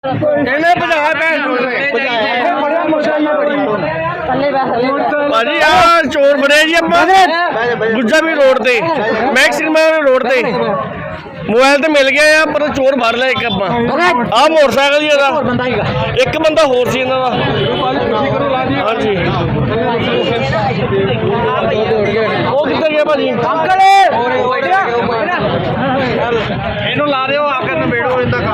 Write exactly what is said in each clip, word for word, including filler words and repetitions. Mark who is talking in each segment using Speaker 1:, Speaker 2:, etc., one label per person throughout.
Speaker 1: ਇਹਨੇ ਭਜਾ ਭਾਜੀ ਆ ਚੋਰ ਫੜਿਆ ਜੀ ਆਪਾਂ ਗੁੱਜਾ ਵੀ ਰੋਡ ਤੇ ਮੈਕਸਿਮਮ ਰੋਡ ਤੇ मोबाइल तो मिल गया है पर चोर भर लिया एक आप मोटरसाइकिल ही एक बंदा होर सी इन्हां दा हाँ जी वो किधर गया भाजी अंकल इन्हों ला दो आकर नबेड़ो इनका काम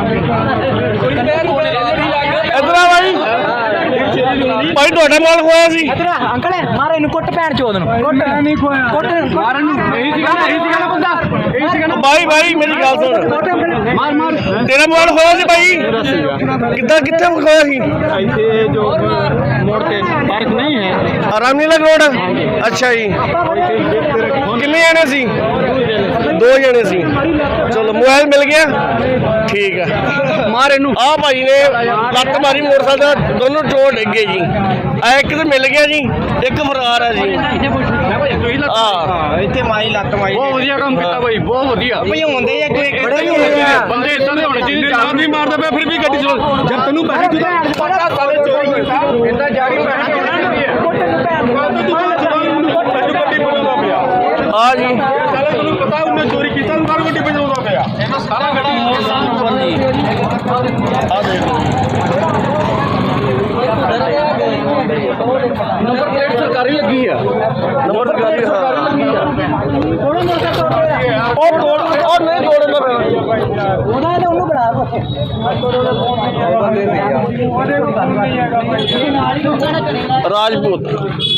Speaker 1: इधर आ भाई भाई ਤੁਹਾਡਾ ਮਾਲ ਖੋਇਆ ਸੀ ਇਧਰ ਅੰਕਲ ਮਾਰ ਇਹਨੂੰ ਕੁੱਟ ਪੈਣ ਚੋਦ ਨੂੰ ਕੁੱਟ ਨਹੀਂ ਖੋਇਆ ਕੁੱਟ ਮਾਰਨ ਨੂੰ ਇਹੀ ਸੀਗਾ ਇਹੀ ਸੀਗਾ ਨਾ ਬੰਦਾ ਇਹੀ ਸੀਗਾ ਨਾ ਭਾਈ ਭਾਈ ਮੇਰੀ ਗੱਲ ਸੁਣ ਮਾਰ ਮਾਰ ਤੇਰਾ ਮਾਲ ਖੋਇਆ ਸੀ ਭਾਈ ਕਿੱਦਾਂ ਕਿੱਥੇ ਖੋਇਆ ਸੀ ਇੱਥੇ ਜੋ ਮੋੜ ਤੇ ਪਾਰਕ ਨਹੀਂ ਹੈ ਰਾਮਲੀਲਾ ਰੋਡ ਅੱਛਾ ਜੀ ਕਿੰਨੇ ਜਣੇ ਸੀ ਦੋ ਜਣੇ ਸੀ ਚਲੋ ਮੋਬਾਈਲ ਮਿਲ ਗਿਆ ਠੀਕ ਹੈ ਮਾਰ ਇਹਨੂੰ ਆ ਭਾਈ ਨੇ ਲੱਤ ਮਾਰੀ ਮੋਟਰਸਾਈਕਲ ਦੋਨੋਂ ਚੋਰ ਡਿੱਗ ਗਏ ਜੀ ਆ ਇੱਕ ਤੇ ਮਿਲ ਗਿਆ ਜੀ ਇੱਕ ਫਰਾਰ ਹੈ ਜੀ ਹਾਂ ਇੱਥੇ ਮਾਈ ਲੱਤ ਮਾਈ ਬਹੁਤ ਵਧੀਆ ਕੰਮ ਕੀਤਾ ਭਾਈ ਬਹੁਤ ਵਧੀਆ ਭਈ ਹੁੰਦੇ ਆ ਕੋਈ ਬੰਦੇ ਇਦਾਂ ਦੇ ਹੋਣੇ ਚਾਹੀਦੇ ਜਾਨ ਨਹੀਂ ਮਾਰਦਾ ਪਿਆ ਫਿਰ ਵੀ ਗੱਡੀ ਚਲਾ ਜਦ ਤੈਨੂੰ ਪੈਸੇ ਦਿੱਤਾ ਪਤਾ ਸਾਰੇ ਚੋਰ ਇਦਾਂ ਜਾਰੀ ਪੈਸੇ ਹਾਂ ਜੀ ਤੁਹਾਨੂੰ ਪਤਾ ਉਹਨੇ ਚੋਰੀ ਕੀਤਾ ਬਾਹਰ ਗੱਡੀ ਭਜਾਉਂਦਾ ਪਿਆ ਇਹਨਾਂ ਸਾਰਾ ਖੜਾ ਆ ਦੇਖ ਨੰਬਰ ਪਲੇਟ ਸਰਕਾਰੀ ਲੱਗੀ ਆ ਨੰਬਰ ਸਰਕਾਰੀ ਉਹ ਤੋੜ ਉਹ ਨਹੀਂ ਤੋੜਨਾ ਪਿਆ ਉਹਨਾਂ ਨੇ ਉਹਨੂੰ ਬਣਾ ਰਾਜਪੂਤ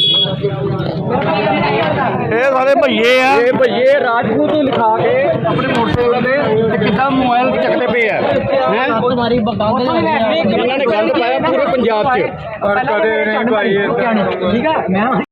Speaker 1: ਇਹ ਸਾਰੇ ਭਈਏ ਆ ਇਹ ਭਈਏ ਰਾਜਪੂਤ ਨੂੰ ਲਿਖਾ ਕੇ ਆਪਣੇ ਮੋਟਰਸਾਈਕਲ ਤੇ ਕਿੱਦਾਂ ਮੋਬਾਈਲ ਚੱਕਦੇ ਪਏ ਆ ਹੈ ਕੋਈ ਮਾਰੀ ਬਕਾਉਂਦੇ ਇਹਨਾਂ ਨੇ ਗੰਦ ਪਾਇਆ ਪੂਰੇ ਪੰਜਾਬ 'ਚ ਪਰ ਕਦੇ ਨਹੀਂ ਭਾਈ ਠੀਕ ਆ ਮੈਂ